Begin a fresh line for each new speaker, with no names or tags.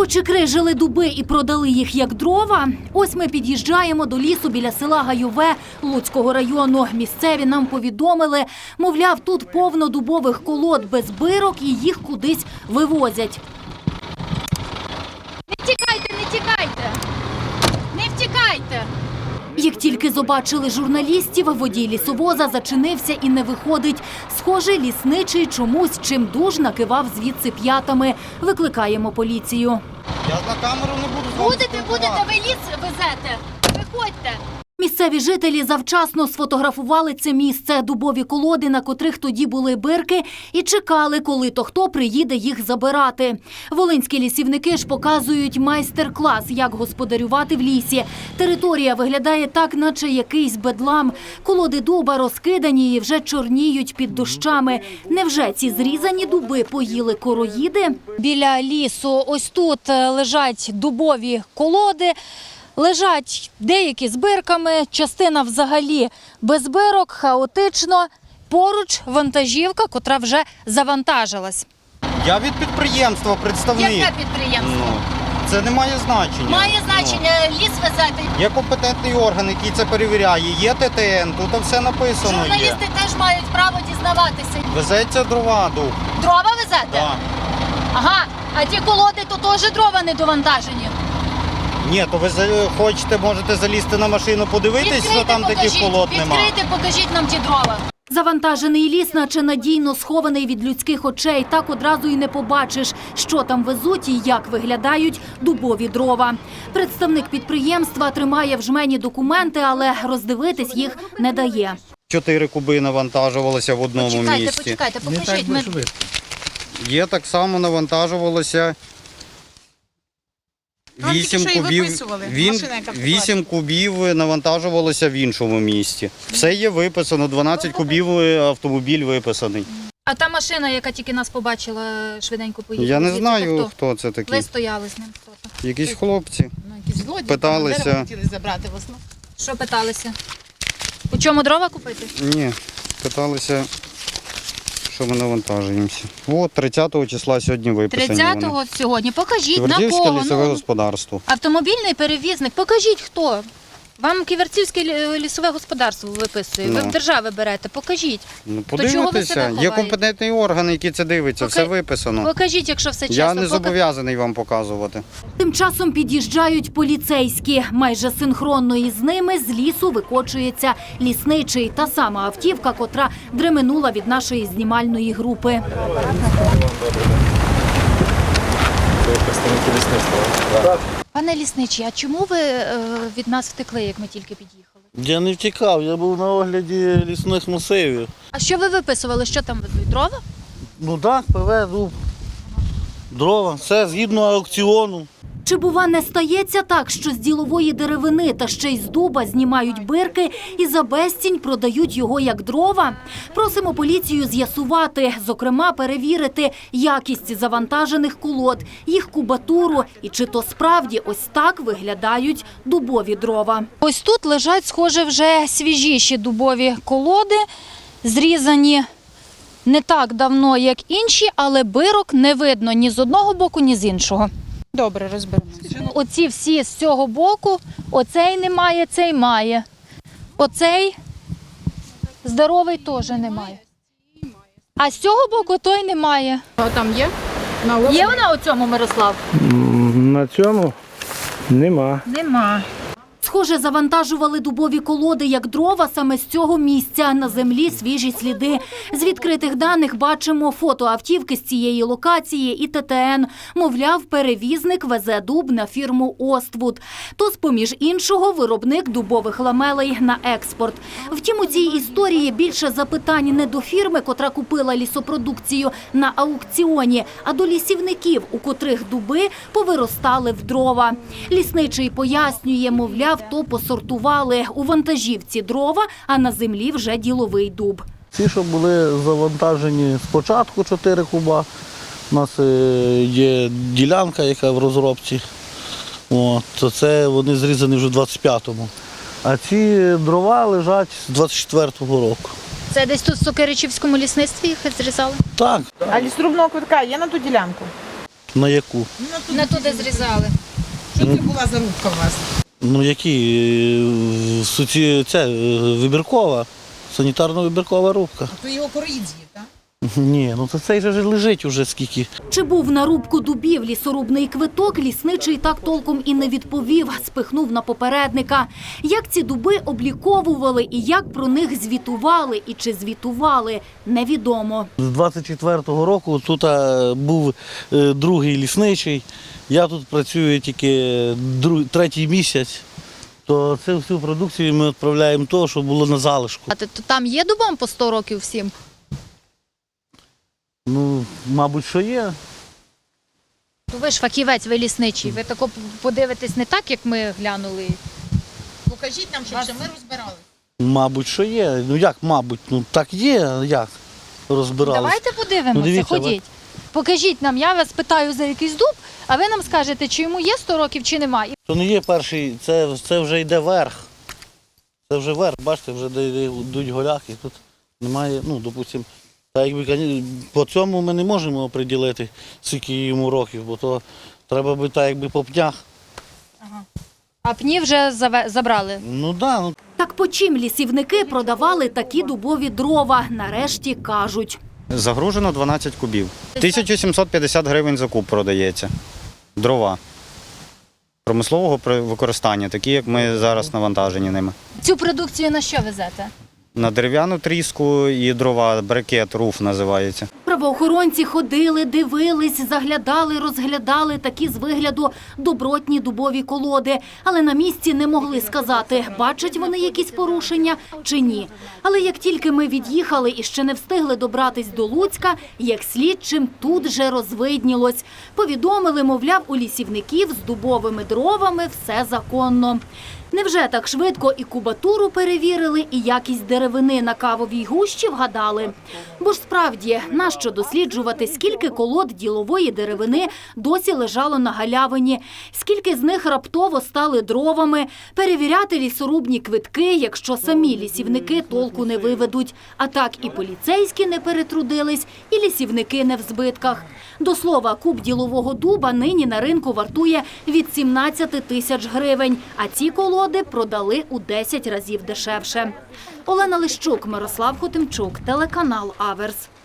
Почекрижили дуби і продали їх як дрова. Ось ми під'їжджаємо до лісу біля села Гайове Луцького району. Місцеві нам повідомили, мовляв, тут повно дубових колод без бирок і їх кудись вивозять.
Не тікайте, не тікайте! Не втікайте!
Як тільки побачили журналістів, водій лісовоза зачинився і не виходить. Схоже, лісничий чомусь чимдуж накивав звідси п'ятами. Викликаємо поліцію.
Я на камеру не буду з вами
Будете, ви ліс везете. Виходьте.
Місцеві жителі завчасно сфотографували це місце, дубові колоди, на котрих тоді були бирки, і чекали, коли то хто приїде їх забирати. Волинські лісівники ж показують майстер-клас, як господарювати в лісі. Територія виглядає так, наче якийсь бедлам. Колоди дуба розкидані і вже чорніють під дощами. Невже ці зрізані дуби поїли короїди? Біля лісу ось тут лежать дубові колоди. Лежать деякі з бирками, частина взагалі без бирок, хаотично. Поруч вантажівка, котра вже завантажилась.
Я від підприємства представник.
Яке підприємство?
Це не має значення.
Має значення, ліс везете.
Є компетентний орган, який це перевіряє. Є ТТН, тут все написано є.
Журналісти теж мають право дізнаватися.
Везеться дрова, дуб.
Дрова везете?
Так.
Ага, а ті колоди то теж дрова не довантажені.
Ні, то ви хочете, можете залізти на машину, подивитись, що там таких колод немає.
Відкрийте, покажіть нам ті дрова.
Завантажений ліс, наче надійно схований від людських очей. Так одразу і не побачиш, що там везуть і як виглядають дубові дрова. Представник підприємства тримає в жмені документи, але роздивитись їх не дає.
4 куби навантажувалося в одному місці.
Почекайте, покажіть.
Є так само навантажувалося 8 кубів. 8 кубів навантажувалося в іншому місці. Все є виписано, 12 кубів автомобіль виписаний.
А та машина, яка тільки нас побачила, швиденько поїхала.
Я не знаю, хто це такий.
Ви стояли з ним.
Якісь хлопці
Якісь злодії,
питалися.
дерева хотіли забрати в основному.
Що питалися? У чому дрова купити?
Ні, питалися, що ми навантажуємося. От 30-го числа сьогодні виписані.
30-го сьогодні. Покажіть, на
Ківерцівське
кого?
лісове господарство.
Автомобільний перевізник. Покажіть, хто. Вам Ківерцівське лісове господарство виписує. Ви в держави берете. Покажіть.
Ну,
чого ви себе
подивитися, є
ховаєте?
компетентний орган, який це дивиться, все виписано.
Покажіть, якщо все чесно.
Я не зобов'язаний вам показувати.
Тим часом під'їжджають поліцейські. Майже синхронно із ними з лісу викочується лісничий. Та сама автівка, котра дременула від нашої знімальної групи.
Пане лісничий, а чому ви від нас втекли, як ми тільки під'їхали?
Я не втікав, я був на огляді лісних масивів.
А що ви виписували? Що там везуть? Дрова?
Ну так, ПВ, дуб, дрова, все згідно аукціону.
Чи, бува, не стається так, що з ділової деревини та ще й з дуба знімають бирки і за безцінь продають його як дрова? Просимо поліцію з'ясувати, зокрема перевірити якість завантажених колод, їх кубатуру і чи то справді ось так виглядають дубові дрова.
Ось тут лежать, схоже, вже свіжіші дубові колоди, зрізані не так давно, як інші, але бирок не видно ні з одного боку, ні з іншого.
Добре, розберемося.
Оці всі з цього боку, оцей немає, цей має. Оцей здоровий теж немає. А з цього боку той немає.
А там є?
Є вона у цьому, Мирослав?
На цьому нема.
Нема.
Схоже, завантажували дубові колоди як дрова саме з цього місця. На землі свіжі сліди. З відкритих даних бачимо фото автівки з цієї локації і ТТН. Мовляв, перевізник везе дуб на фірму «Оствуд». То, з-поміж іншого, виробник дубових ламелей на експорт. Втім, у цій історії більше запитань не до фірми, котра купила лісопродукцію на аукціоні, а до лісівників, у котрих дуби повиростали в дрова. Лісничий пояснює, мовляв, то посортували у вантажівці дрова, а на землі вже діловий дуб.
Ці, що були завантажені спочатку 4 куба, у нас є ділянка, яка в розробці, то це вони зрізані вже в 25-му. А ці дрова лежать з 24-го року.
Це десь тут в Сокиричівському лісництві їх зрізали?
Так.
А лісорубного квитка є на ту ділянку?
На яку?
Не туди зрізали.
Що це була за рубка у вас?
Ну це вибіркова, санітарно-вибіркова рубка.
То його короїд з'їв, так?
Ні, ну то цей же ж лежить уже скільки.
Чи був на рубку дубів лісорубний квиток, лісничий так толком і не відповів, спихнув на попередника. Як ці дуби обліковували і як про них звітували і чи звітували, невідомо.
З 24-го року тут був другий лісничий, я тут працюю тільки третій місяць, то цю всю продукцію ми відправляємо того, що було на залишку.
А то там є дубам по 100 років всім?
Ну, мабуть, що є.
То ви ж фахівець, ви лісничий. Ви тако подивитесь не так, як ми глянули.
Покажіть нам, щоб ще ми розбирали.
Мабуть, що є. Ну як, мабуть, ну так є, як розбиралися.
Давайте подивимося,
Ну, дивіться,
ходіть. Покажіть нам, я вас питаю за якийсь дуб, а ви нам скажете, чи йому є 100 років, чи немає.
То не є перший, це вже йде верх. Це вже верх, бачите, вже де йдуть голяки, тут немає, ну, допустимо, та якби по цьому ми не можемо оприділити, скільки йому років, бо то треба би так якби по пнях.
А пні вже забрали.
Ну так, ну.
Так по чим лісівники продавали такі дубові дрова, нарешті кажуть.
Загружено 12 кубів. 1750 гривень за куб продається. Дрова. Промислового використання, такі, як ми зараз навантажені ними.
Цю продукцію на що везете?
На дерев'яну тріску і дрова, брикет, руф називається.
Правоохоронці ходили, дивились, заглядали, розглядали такі з вигляду добротні дубові колоди. Але на місці не могли сказати, бачать вони якісь порушення чи ні. Але як тільки ми від'їхали і ще не встигли добратись до Луцька, як слідчим тут же розвиднілось. Повідомили, мовляв, у лісівників з дубовими дровами все законно. Невже так швидко і кубатуру перевірили, і якість деревини на кавовій гущі вгадали? Бо ж справді, нащо досліджувати, скільки колод ділової деревини досі лежало на галявині, скільки з них раптово стали дровами, перевіряти лісорубні квитки, якщо самі лісівники толку не виведуть. А так і поліцейські не перетрудились, і лісівники не в збитках. До слова, куб ділового дуба нині на ринку вартує від 17 тисяч гривень, а ці колоди продали у 10 разів дешевше. Олена Лищук, Мирослав Хотимчук, телеканал Аверс.